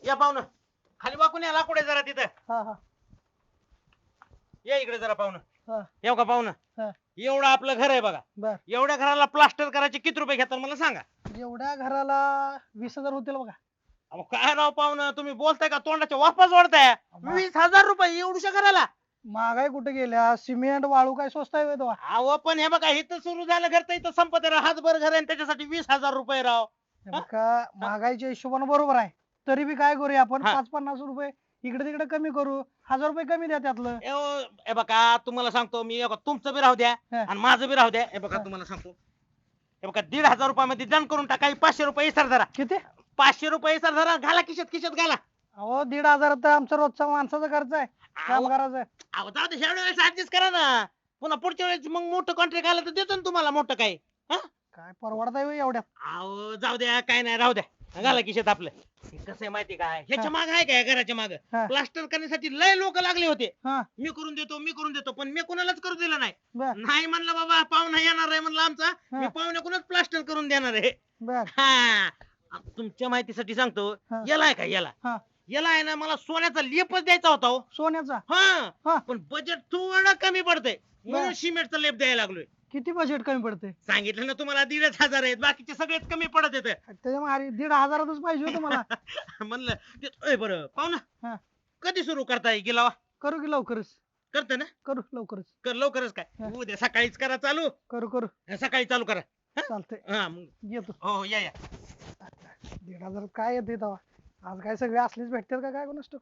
या पाहुणं खाली वाकून या लाकूड आहे जरा तिथं. हा हा या इकडे जरा पाहुणं. हा येऊ का पाहुणं? हा एवढं आपलं घर आहे बघा. बर. एवढ्या घराला प्लास्टर करायचे किती रुपये घेतात मला सांगा. एवढ्या घराला 20,000 होतील बघा. अहो काय राव पाहुणं, तुम्ही बोलताय का तोंडाच्या वापस वाढताय? 20,000 रुपये एवढ्या घराला? महागाई कुठे गेल्या, सिमेंट वाळू काय स्वस्त आहे तो? अहो पण हे बघा इथं सुरू झालं घर तर इथं संपत आहे. हातभर घर आहे आणि त्याच्यासाठी 20,000 रुपये राव. का महागाईच्या हिशोबाने बरोबर आहे, तरी बी काय करूया आपण, हा. 5-50 रुपये इकडे तिकडे कमी करू, 1,000 रुपये कमी द्या त्यातलं. हे बघा तुम्हाला सांगतो मी, हे बघा, तुमचं बी राहू द्या हा. आणि माझं बी राहू द्या. हे बघा हा. तुम्हाला सांगतो, हे बघा 1,500 रुपयामध्ये डन करून टाका. 500 रुपये इसर धरा. किती? 500 रुपये इसर धरा, घाला खिशात खिशात घाला. अहो 1,500 तर आमचा रोजचा माणसाचा खर्च आहे, अहो कामगाराचा आहे. अहो, जाऊ दे ह्या वेळेस ऍडजस्ट करा ना. पुन्हा पुढच्या वेळेस मग मोठं कॉन्ट्रॅक्ट आलं तर देतो ना तुम्हाला मोठं काही. काय परवडत आहे एवढ्यात? अहो जाऊ द्या, काय नाही, राहू द्या. घाला खिशात आपलं. हे कसं आहे माहिती काय, ह्याच्या माग आहे काय, घराच्या माग हा. प्लास्टर करण्यासाठी लय लोक लागले होते. हा मी करून देतो पण मी कोणालाच करू दिलं नाही. बर नाही म्हणलं बाबा पाहुणा येणार आहे म्हणलं आमचा, मी पाहुण्याकडूनच प्लास्टर करून देणार आहे. बर. हा तुमच्या माहितीसाठी सांगतो, हा. याला आहे का याला हा याला आहे ना, मला सोन्याचा लेपच द्यायचा होता हो. सोन्याचा? हा हा पण बजेट थोडं कमी पडतंय म्हणून बर. सिमेंटचा लेप द्यायला लागलोय. किती बजेट कमी पडते? सांगितलं ना तुम्हाला 1,500 आहेत, बाकीचे सगळेच कमी पडत येत. त्याच्यामुळे 1,500च पाहिजे होतं मला. म्हणलं बरं पाहुणा, हा कधी सुरू करताय गिलावा? करू की लवकरच? करते ना? करू लवकरच. कर लवकरच. काय हा. उद्या सकाळीच करा चालू. करू सकाळी चालू करा. चालतंय, हा मग येतो. हो या 1,500 काय येते तेव्हा? आज काय सगळे असलेच भेटतात का काय कोणास ठाऊक?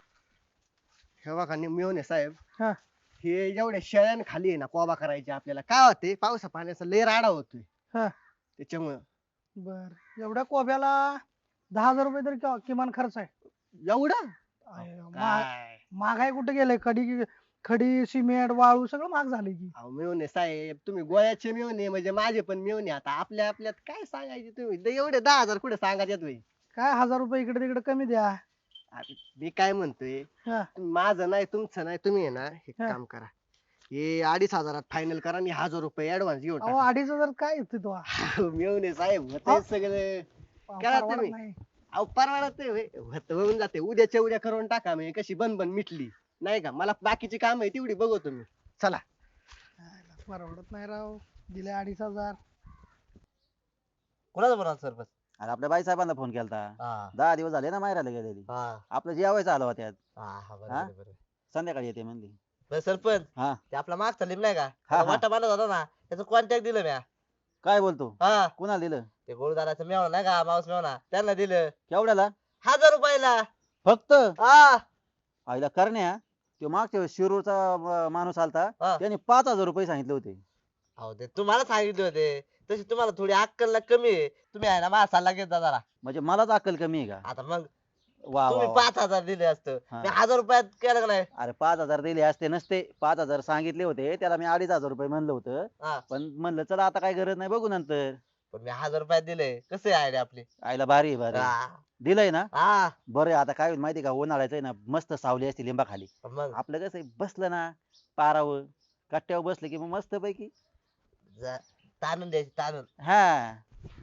हे बघा मिळून साहेब, हा हे एवढ्या शेळ्यान खाली आहे ना कोबा करायचे आपल्याला, काय होते पावसा पाण्याचा लय राडा होतोय हा त्याच्यामुळं. बर. एवढ्या कोब्याला 10,000 रुपये तरी किमान खर्च आहे. एवढं आहे, काय महागाई कुठे गेलंय? खडी सिमेंट वाळू सगळं महाग झालंय की. अहो मिळून साहेब, तुम्ही गोळ्याचे मिळून म्हणजे माझे पण मिळून आता आपल्या आपल्यात काय सांगायचे तुम्ही एवढे 10,000 कुठे सांगायचे तुम्ही? काय 1,000 रुपये इकडे तिकडे कमी द्या. अरे, मी काय म्हणतोय, हा माझं नाही तुमचं नाही, तुम्ही आहे ना हे हा. काम करा, हे 2,500 फायनल करा आणि 1,000 रुपये ऍडव्हान्स घेऊन अहो 2,500 काय येते तो? मिळून साहेब अहो. होते सगळं. करा परवडत तुम्ही. नाही. अहो परवडत नाही होय. होऊन जाते, उद्याच्या उद्या करून टाका, म्हणजे कशी बन मिटली नाही का? मला बाकीची काम आहे तेवढी बघू तुम्ही. चला. परवडत नाही राव, दिले 2,500. कुणाचा बरोबर सरपंच? अरे आपल्या बाई साहेबांना फोन केलता. हा 10 दिवस झाले ना माहेराला गेलेली. हा आपलं जेवायचं आलं होत्यात. हा हा हा? बरोबर बरोबर. संध्याकाळी येते म्हणली. बरं सरपंच, हा ते आपला मागचा लिम नाही का, हा, त्याला हा. वाटा बांधत होता ना, त्याचं कॉन्टॅक्ट दिलं म्या. काय बोलतो? हा कुणाला दिलं? ते गोळदाराचं मेवणा नाही का, माऊस मेवणा, त्यांना दिलं केवढ्याला? 1,000 रुपयाला. फक्त? हा आईला करण्या तो मागच्या वेळेस शिरूरचा माणूस आलता, हा. त्याने 5,000 रुपये सांगितले होते. अहो ते तुम्हाला सांगितले होते, तशी तुम्हाला थोडी अक्कल कमी आहे. तुम्ही आहे ना माझा सल्ला घेत जा जरा. म्हणजे मलाच अक्कल कमी आहे का? आता मग वा वा तुम्ही वा. 5,000 दिले असतं, हा. मी 1,000 रुपयात केलं का नाही? अरे 5,000 दिले असते नसते. 5,000 सांगितले होते, त्याला मी 2,500 रुपये म्हणलं होतं. हा पण म्हणलं चला आता काय गरज नाही, बघू नंतर. पण मी 1,000 रुपयात दिले. कसे आहे आपली? आईला भारी आहे, भारी आहे. हा दिलंय ना? हा. बरं आता काय होईल माहिती का, उन्हाळ्याचं आहे ना, मस्त सावली असते लिंबाखाली. मग आपलं कसं आहे, बसलं ना पारावर कट्ट्यावर बसलं की मग मस्त पैकी. ताणून द्यायची, ताणून. हा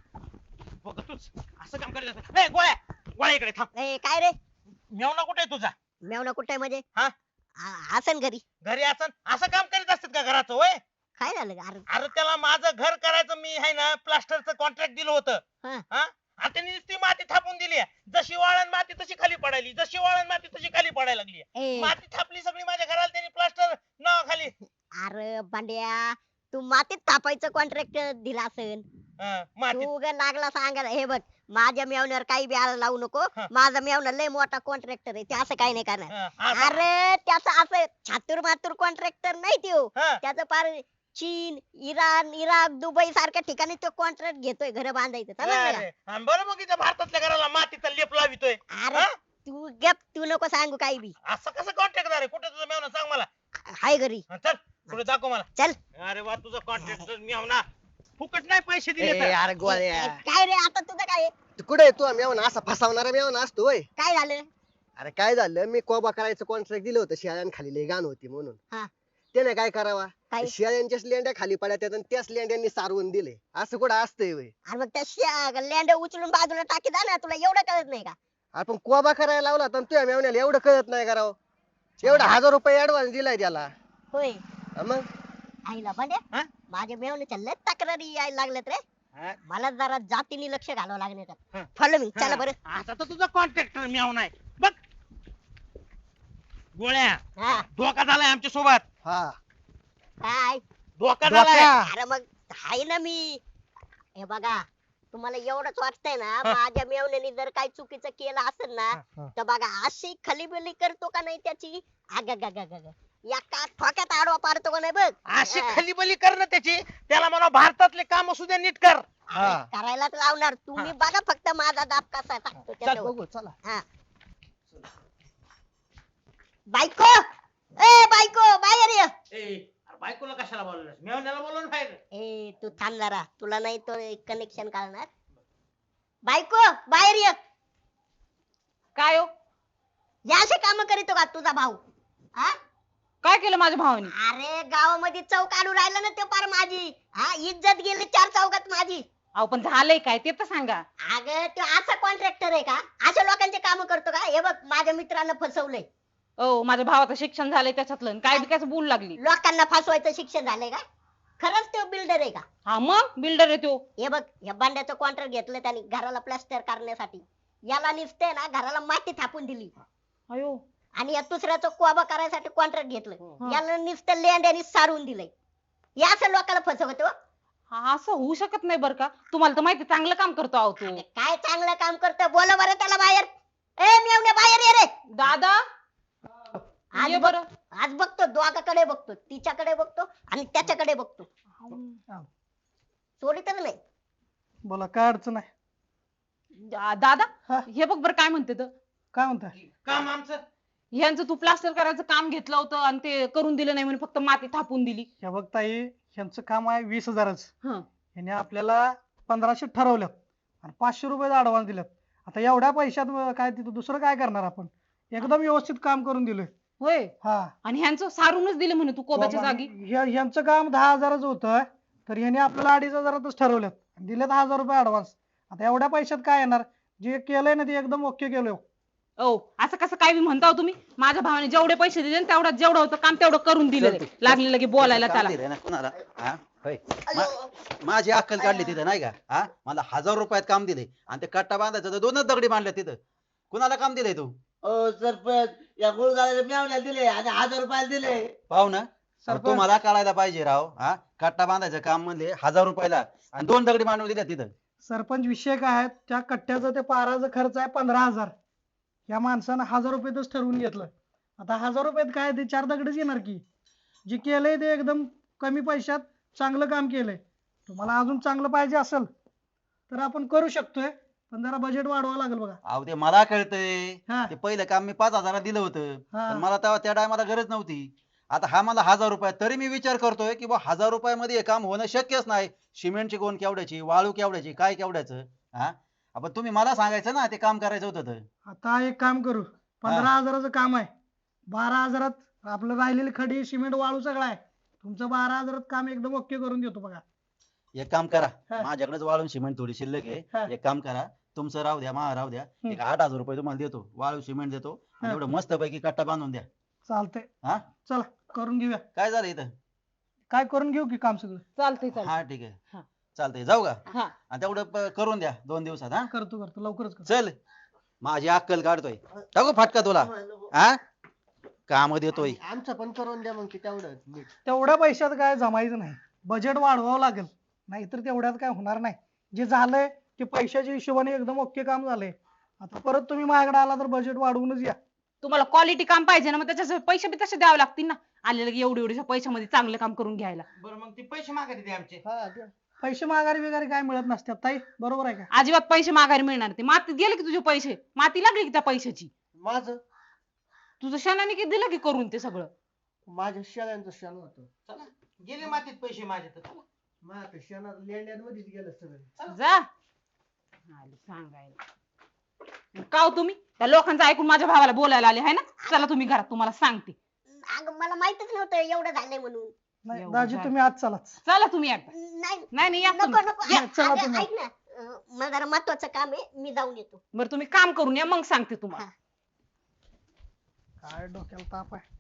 बघ तूच असं काम करायचं. ए गोळ्या, गोळ्या इकडे थांब. ए काय रे? मेवना कुठे आहे तुझा? मेवना कुठे म्हणजे? हा? आसन घरी. घरी असं काम करीत असतात का घराचं? होय. काय झालं ग? अरे अरे त्याला माझं घर करायचं, मी आहे ना प्लास्टरचं कॉन्ट्रॅक्ट दिलं होतं. हा. हा आणि त्यांनी नुसती माती थापून दिली. जशी वाळण माती तशी खाली पडायली, जशी वाळण माती तशी खाली पडायला लागली. ए, माती थापली सगळी माझ्या घराला, त्यांनी प्लास्टर नाव खाली. अरे बांड्या, तू मातीत थापायचं कॉन्ट्रॅक्ट दिला असेल. माती तू ग लागला सांगायला. हे बघ, माझ्या मेवण्यावर काही बी आला लावू नको. हा. माझा मेवणा लय मोठा कॉन्ट्रॅक्टर आहे, ते असं काही नाही करणार. असं- अरे त्याचं असं छातूर मातूर कॉन्ट्रॅक्टर नाही त्यो. हा. त्याचं पार चीन, इराण, इराक, दुबई सारख्या ठिकाणी तो कॉन्ट्रॅक्ट घेतोय घर बांधायचं, समजलं का? अरे, आणि बरं मग इथं भारतातल्या घराला मातीचा लेप लावितोय. अरे हा? तू गप, तू नको सांगू काही बी. असं कसं कॉन्ट्रॅक्ट आहे? कुठे तुझं मेवना सांग मला. हाय घरी. चल पुढे दाखव मला. चल. अरे वा, तुझं कॉन्ट्रॅक्ट मेवना फुकट नाही पैसे दिले ए, तर. अरे गोळ्या, काय रे आता तुझं काय आहे? कुठे आहे तू? मेवना असा फसवणारा मेवना असतो होय? काय झालं? अरे काय झालं, मी कोबा करायचं कॉन्ट्रॅक्ट दिलं होतं, शेळ्यांखाली लय घाण होती म्हणून. हा. त्याने काय करावा, काय? शेळ्यांच्याच लेंड्या खाली पडल्या आणि त्याच लेंड्यांनी सारवून दिले. असं कुठं असतंय होय? अरे मग त्या लँड उचलून बाजूला टाकी जा ना, तुला एवढं कळत नाही का? आपण कोबा करायला लावला तर तुझ्या मेवण्याला एवढं कळत नाही करावं. एवढा 1000 रुपये ऍडव्हान्स दिलाय त्याला. होय मग आईला बंड्या हा? माझ्या मेवण्याच्या लय तक्रारी यायला लागल्यात रे. हा? मला जरा जातीने लक्ष घालावं लागणार हा. फॉलो मी चला बरं. आता तर तुझा कॉन्ट्रॅक्टर मेव नाही बघ. गोळ्या हा धोका झालाय आमच्या सोबत. हा काय धोका झालाय. अरे मग आहे ना मी. हे बघा तुम्हाला एवढंच वाटतंय ना माझ्या मेवण्याने जर काही चुकीचं केलं असेल ना तर बघा अशी खलीबिली करतो का नाही त्याची अग या का ठोक्यात आडवा पाडतो का नाही बघ. अशी खलीबली कर ना त्याची. त्याला म्हणा भारतातले काम असू द्या नीट कर. हा. करायलाच लावणार तुम्ही बघा फक्त माझा दाब कसा टाकतो त्याच्यावर. बघू चला. हा. बायको ए बायको बाहेर ये. बायकोला कशाला बोलवलं मेवण्याला बोलवून बाहेर. ए तू थांब जरा तुला नाही तो कनेक्शन काढणार. बायको बाहेर ये. काय हो या असे काम करीतो का तुझा भाऊ. हा काय केलं माझ्या भावाने? अरे गावामध्ये चौक काढून राहिला ना ते पार माझी. हा इज्जत गेली 4 चौकात माझी. अहो पण झालंय काय ते तर सांगा. अगं तो असा कॉन्ट्रॅक्टर आहे का अशा लोकांचे काम करतो का. हे बघ माझ्या मित्रानं फसवलंय. ओ माझ्या भावाचं शिक्षण झालंय त्याच्यातलं आणि काय बिकायचं बोलू लागली. लोकांना फसवायचं शिक्षण झालंय का. खरंच तो बिल्डर आहे का. हा मग बिल्डर आहे तो. हे बघ या बांड्याचं कॉन्ट्रॅक्ट घेतलं त्यांनी घराला प्लास्टर करण्यासाठी. याला निसते ना घराला माती थापून दिली. अयो आणि या दुसऱ्याचं कोबा करायसाठी कॉन्ट्रॅक्ट घेतलं. याला नुसतं लेंड्यानी सारून दिलंय. या असं लोकांना फसवतो. हा असं होऊ शकत नाही बरं का. तुम्हाला तर माहिती चांगलं काम करतो अहो तो. काय चांगलं काम करतो बोला बरं त्याला बाहेर. ए मेवण्या बाहेर ये रे. दादा आज ये बघ बरं. आज बघतो दोघाकडे बघतो तिच्याकडे बघतो आणि त्याच्याकडे बघतो. सोडीतच नाही. बोला काय अडचण आहे. दादा हा. हे बघ बरं काय म्हणते तर. काय म्हणताय. काम आमचं. ह्यांचं तू प्लास्टर करायचं काम घेतलं होतं आणि ते करून दिलं नाही म्हणून फक्त माती थापून दिली. हे बघ ताई ह्यांचं काम आहे 20,000च. हं. ह्याने आपल्याला 1500 ठरवल्यात आणि 500 रुपये ऍडव्हान्स दिल्यात. आता एवढ्या पैशात काय तिथं दुसरं काय करणार आपण. एकदम व्यवस्थित काम करून दिलोय. होय हा आणि ह्यांचं सारूनच दिलं म्हणे तू कोब्याच्या जागी. ह्यांचं काम 10,000च होतं तर ह्याने आपल्याला 2,500च ठरवल्यात आणि दिलेत 1000 रुपये ऍडव्हान्स. आता एवढ्या पैशात काय येणार. जे केलंय ना ते एकदम ओके केलंय. ओ असं कसं काय बी म्हणता हो तुम्ही. माझ्या भावाने जेवढे पैसे दिले ना तेवढं जेवढं होतं काम तेवढं करून दिलं. लागले लगे बोलायला काम त्याला. दिलंय ना कुणाला हा होय माझी अक्कल काढली तिथं नाही का. हा मला 1000 रुपयात काम दिले आणि ते कट्टा बांधायचं तर 2च दगडी बांधल्या तिथं. कुणाला काम दिलंय तू. ओ सरपंच या गुळगाळ्याला मेवण्याला दिले आणि 1000 रुपयाला दिले. पाहू ना सरपंच. तुम्हाला कळायला पाहिजे राव. हा कट्टा बांधायचं काम म्हणले 1000 रुपयाला आणि 2 दगडी बांधून दिल्या तिथं. सरपंच विषय काय आहे त्या कट्ट्याचा ते पाराचा खर्च आहे 15,000. या माणसानं 1000 रुपयातच ठरवून घेतलं. आता 1000 रुपयात काय ते 4 दगडच येणार की. जे केलंय ते एकदम कमी पैशात चांगलं काम केलंय. तुम्हाला अजून चांगलं पाहिजे असेल तर आपण करू शकतोय पण जरा बजेट वाढवावं लागेल बघा. अहो ते मला कळतंय. हा. ते पहिलं काम मी 5,000 दिलं होतं हा. पण मला तेव्हा त्या टायमाला गरज नव्हती. आता हा मला 1000 रुपये तरी मी विचार करतोय की 1000 रुपयामध्ये हे काम होणं शक्यच नाही. सिमेंटची कोण केवढ्याची वाळू केवढ्याची काय केवढ्याचं. हा आपण तुम्ही मला सांगायचं ना ते काम करायचं होतं तर. आता एक काम करू 15,000चं काम आहे. 12,000त आपलं राहिलेली खडी सिमेंट वाळू सगळं आहे. तुमचं 12,000त काम एकदम ओके करून देतो बघा. एक काम करा हा. माझ्याकडेच वाळून सिमेंट थोडी शिल्लक हा. आहे. एक काम करा तुमचं राहू द्या मा राहू द्या. एक 8,000 रुपये तुम्हाला देतो वाळू सिमेंट देतो आणि हा. एवढं मस्त पैकी कट्टा बांधून द्या. चालतंय हा चला करून घेऊया. काय झालं इथं. काय करून घेऊ की काम सगळं. चालतंय चालतंय. हा ठीक आहे हा. चालतंय जाऊ का. हा आणि तेवढं करून द्या 2 दिवसात. हा करतो लवकरच करतो. चल माझी अक्कल काढतोय टाकू फाटका तुला. हा काम देतोय. आमचं पण करून द्या मग ते तेवढं नीट. तेवढ्या पैशात काय जमायचं नाही. बजेट वाढवावं लागेल नाहीतर तेवढ्यात काय होणार नाही. जे झालंय ते पैशाच्या हिशोबाने एकदम ओके काम झालंय. आता परत तुम्ही माझ्याकडे आला तर बजेट वाढवूनच या. तुम्हाला क्वालिटी काम पाहिजे ना मग त्याच्यासाठी पैसे बी तसे द्यावे लागतील ना. आले लगे एवढ्या पैशामध्ये चांगलं काम करून घ्यायला. बरं मग ते पैसे मागायचे ते आमचे. हा द्या. पैसे माघारी वगैरे काय मिळत नसतात ताई बरोबर आहे का. अजिबात पैसे माघारी मिळणार ते. मातीत गेले की तुझे पैसे. माती लागली की त्या पैशाची. माझं तुझं शनाने की दिलं की करून ते सगळं. माझ्या शेळ्यांचं शेण होतं. चला गेले मातीत पैसे माझे तर. चला. माझ्या शेणात लेंड्यांमध्येच गेलं सगळं. जा आले सांगायला. का हो तुम्ही त्या लोकांचं ऐकून माझ्या भावाला बोलायला आले आहे ना. चला तुम्ही घरात तुम्हाला सांगते. अगं मला माहितच नव्हतं एवढं झालंय म्हणून. नाही एवढं दाजी झालं. तुम्ही आज चलाच. चला तुम्ही आता. नाही नाही नाही या नको तुम्ही. नको या, चला अगं, तुम्ही. ऐक ना मला जरा महत्वाचं काम आहे, मी जाऊन येतो. बरं तुम्ही काम करून या मग सांगते तुम्हाला. काय डोक्याला ताप आहे.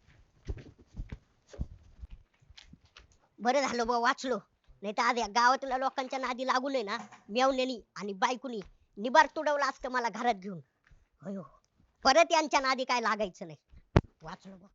बरं झालं बा वाचलो, नाही तर आज या गावातल्या लोकांच्या नादी लागू नये ना, मेवण्यानी आणि बायकोनी निबार तुडवलं असतं मला घरात घेऊन. अयो, परत यांच्या नादी काय लागायचं नाही. वाचलो बा.